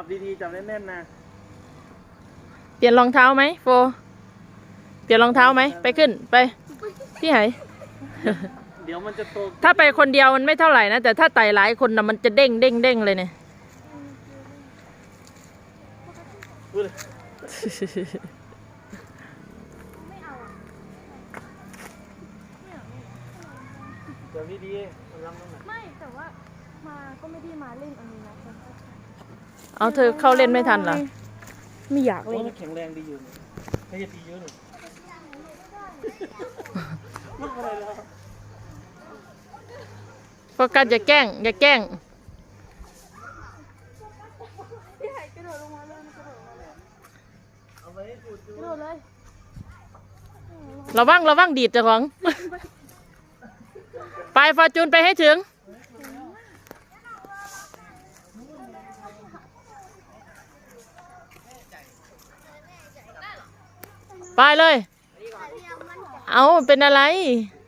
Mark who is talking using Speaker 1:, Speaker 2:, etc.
Speaker 1: บดีๆจับแน่นๆนะ
Speaker 2: เปลี่ยนรองเท้าไหมโฟเปลี่ยนรองเท้าไหมไปขึ้นไปพี่ไห
Speaker 1: เดี๋ยวมันจะโต
Speaker 2: ถ้าไปคนเดียวมันไม่เท่าไหร่นะแต่ถ้าไต่หลายคนนะมันจะเด้งเด้งเด้งเลยเนี่ย
Speaker 1: จับดีๆลำตรงไหน
Speaker 3: ไม่แต่ว่ามาก็ไม่ได้มาเล่นอันนี้นะ
Speaker 2: เอาเธอเข้าเล่นไม่ทันเหรอไม่อยาก
Speaker 1: โอ้
Speaker 2: เล่น
Speaker 1: มันแข็งแรงดีอยู่ไม่จะดีเยอะหนึ่งลูกอะไรแล้ว
Speaker 2: โฟกัสอย่าแกล้งอย่าแกล้ง
Speaker 3: พี่ไห่กระโดดลงมาเลยกระโดดมาเลย
Speaker 1: เอาไปให้ดู
Speaker 3: กระโดดเลย
Speaker 2: ระวังดีดเจ้าของไปฟอร์จูนไปให้ถึงไปเลยเอาเป็นอะไร